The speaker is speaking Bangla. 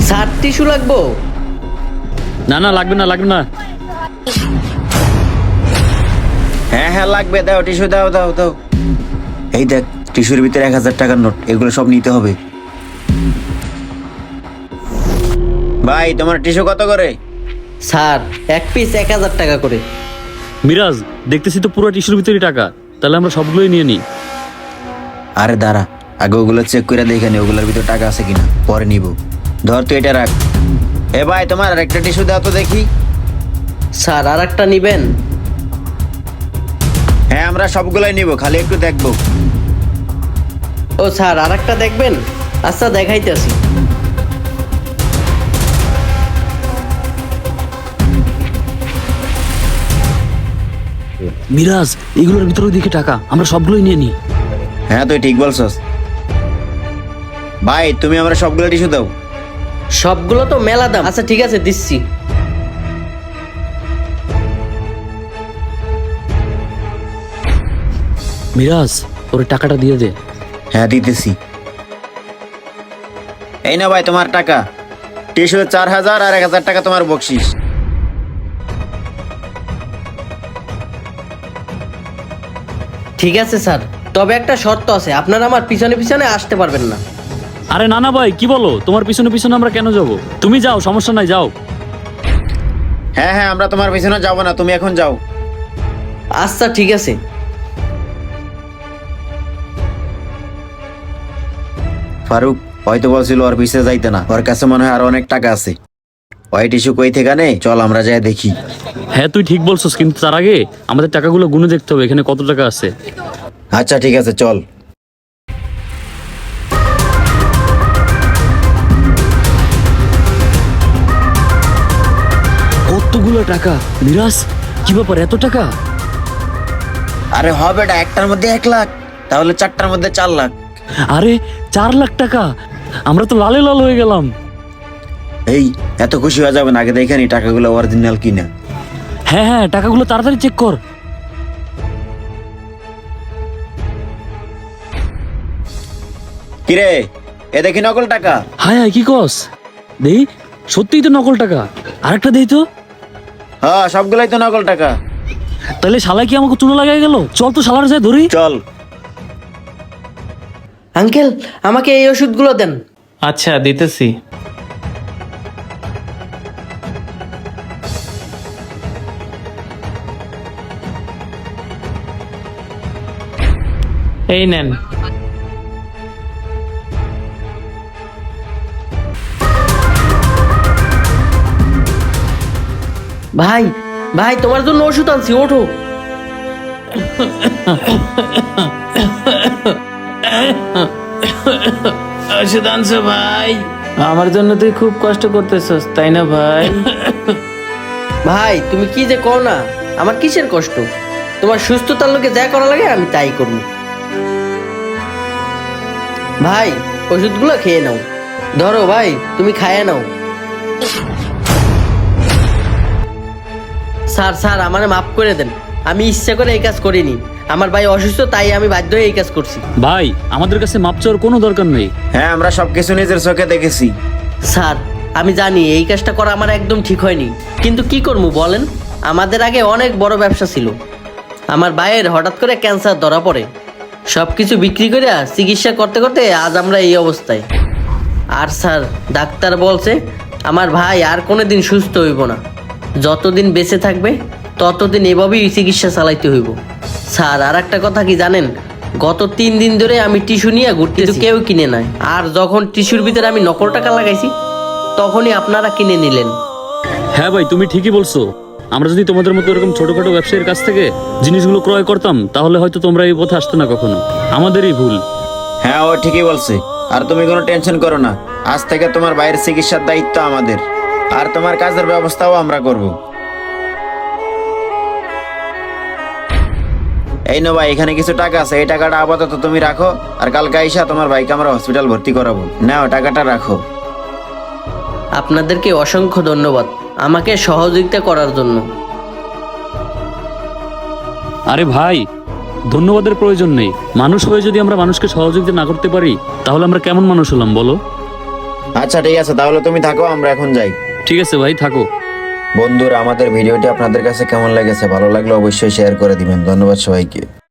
স্যার টিস্যু লাগবো? না না, লাগবে না লাগবে না। হ্যাঁ হ্যাঁ লাগবে, দাও টিস্যু, দাও দাও দাও। এই দেখ, টিস্যুর ভিতরে 1000 টাকার নোট, এগুলো সব নিতে হবে। ভাই তোমার টিস্যু কত করে? স্যার এক পিস 1000 টাকা করে। মিরাজ, দেখতেছি তো পুরো টিস্যুর ভিতরে টাকা, তাহলে আমরা সবগুলোই নিয়ে নিই। আরে দাঁড়া, আগে ওগুলো চেক করে দেখে নি ওগুলোর ভিতরে টাকা আছে কিনা, পরে নিব। ধর তুই এটা রাখ। এ ভাই তোমার আরেকটা টিস্যু দাও তো দেখি। স্যার আর একটা নিবেন? হ্যাঁ আমরা সবগুলাই নিব, খালি একটু দেখবো। ও স্যার আর একটা দেখবেন? আচ্ছা দেখাইতেছি। মিরাজ, এগুলোর ভিতরে দিকে টাকা, আমরা সবগুলোই নিয়ে নিই। হ্যাঁ তুই ঠিক বলছস। ভাই তুমি আমরা সবগুলো টিস্যু দাও। সবগুলো তো মেলা দাম। আচ্ছা ঠিক আছে দিচ্ছি। মিরাজ, ওর টাকাটা দিয়ে দে। হ্যাঁ দিতেছি। এই না ভাই তোমার টাকা, টিস্যু 4000 আর 1000 টাকা তোমার বকশিস। ঠিক আছে স্যার, তবে একটা শর্ত আছে, আপনারা আমার পিছনে পিছনে আসতে পারবেন না। আরে না না ভাই, কি বলো? তোমার পিছনে পিছনে আমরা কেন যাব? তুমি যাও, সমস্যা নাই, যাও। হ্যাঁ হ্যাঁ আমরা তোমার পিছনে যাবো না, তুমি এখন যাও। আচ্ছা ঠিক আছে। ফারুক হয়তো বলছিল ওর পিছে যাইতে না, ওর কাছে মনে হয় আর অনেক টাকা আছে। ওই টিস্যু কই থেকে নে, চল আমরা যাই দেখি। হ্যাঁ তুই ঠিক বলছিস, কিন্তু তার আগে আমাদের টাকাগুলো গুনে দেখতে হবে এখানে কত টাকা আছে। আচ্ছা ঠিক আছে চল। কতগুলো টাকা! মিরাজ, কি ব্যাপার, এত টাকা? আরে হবে এটা, একটার মধ্যে 1 লাখ, তাহলে 4টার মধ্যে 4 লাখ। আরে 4 লাখ টাকা! আমরা তো লালে লাল হয়ে গেলাম। এই এত খুশি হয়ে যাবেন, আগে দেখে নি টাকাগুলো অরিজিনাল কিনা। হ্যাঁ হ্যাঁ, টাকাগুলো তাড়াতাড়ি চেক কর। কিরে, এ দেখি নকল টাকা। হায় হায়, কি কস? দেই, সত্যিই তো নকল টাকা। আরেকটা দেই তো। হ্যাঁ সবগুলাই তো নকল টাকা। তাহলে শালা কি আমাকে চুনো লাগাই গেল? চল তো শালার যায় ধরি। চল। আঙ্কেল আমাকে এই ওষুধগুলো দেন। আচ্ছা দিতেছি। এই নেন। ভাই ভাই তোমার জন্য ওষুধ আনছি, ওঠো। ওষুধ আনছো ভাই? আমার জন্য তুই খুব কষ্ট করতেছস তাই না ভাই? ভাই তুমি কি যে কও না, আমার কিসের কষ্ট? তোমার সুস্থতার লোকে যা করা লাগে আমি তাই করব। ভাই ওষুধগুলো খেয়ে নাও। ধরো ভাই, তুমি খাইয়ে নাও। স্যার স্যার আমারে মাফ করে দেন, আমি ইচ্ছা করে এই কাজ করিনি। আমার ভাই অসুস্থ, তাই আমি বাধ্য হয়ে এই কাজ করছি। ভাই, আমাদের কাছে মাপ চাওয়ার কোনো দরকার নেই। হ্যাঁ আমরা সবকিছু নিজের চোখে দেখেছি। স্যার আমি জানি এই কাজটা করা আমার একদম ঠিক হয়নি, কিন্তু কি করবো বলেন? আমাদের আগে অনেক বড় ব্যবসা ছিল। আমার ভাইয়ের হঠাৎ করে ক্যান্সার ধরা পড়ে, সব কিছু বিক্রি করে চিকিৎসা করতে করতে আজ আমরা এই অবস্থায়। আর স্যার ডাক্তার বলছে আমার ভাই আর কোনোদিন সুস্থ হইব না, যতদিন বেঁচে থাকবে ততদিন এভাবেই চিকিৎসা চালাইতে হইব। স্যার আর একটা কথা কি জানেন, গত 3 দিন ধরে আমি টিস্যু নিয়ে ঘুরতেছি, কেউ কিনে নাই। আর যখন টিস্যুর ভিতরে আমি নকল টাকা লাগাইছি তখনই আপনারা কিনে নিলেন। হ্যাঁ ভাই, তুমি ঠিকই বলছো। আমরা যদি তোমাদের মতো এরকম ছোটখাটো ব্যবসায়ীর কাছ থেকে জিনিসগুলো ক্রয় করতাম, তাহলে হয়তো তোমরা এই পথে আসতো না কখনো। আমাদেরই ভুল। হ্যাঁ ও ঠিকই বলছে। আর তুমি কোনো টেনশন করো না, আজ থেকে তোমার ভাইয়ের চিকিৎসার দায়িত্ব আমাদের, আর তোমার কাজের ব্যবস্থাও আমরা করব। এই নো ভাই, এখানে কিছু টাকা আছে, এই টাকাটা আপাতত তুমি রাখো, আর কালকে আইসা তোমার ভাইকে আমরা হসপিটাল ভর্তি করাবো। নাও টাকাটা রাখো। আপনাদেরকে অসংখ্য ধন্যবাদ আমাকে সহযোগিতা করার জন্য। আরে ভাই, ধন্যবাদের প্রয়োজন নেই। মানুষ হয়ে যদি আমরা মানুষকে সহযোগিতা না করতে পারি, তাহলে আমরা কেমন মানুষ হলাম বলো? আচ্ছা ঠিক আছে, তাহলে তুমি থাকো, আমরা এখন যাই। ঠিক আছে ভাই, থাকো। বন্ধুরা, আমাদের ভিডিওটি আপনাদের কাছে কেমন লেগেছে? ভালো লাগলে অবশ্যই শেয়ার করে দিবেন। ধন্যবাদ সবাইকে।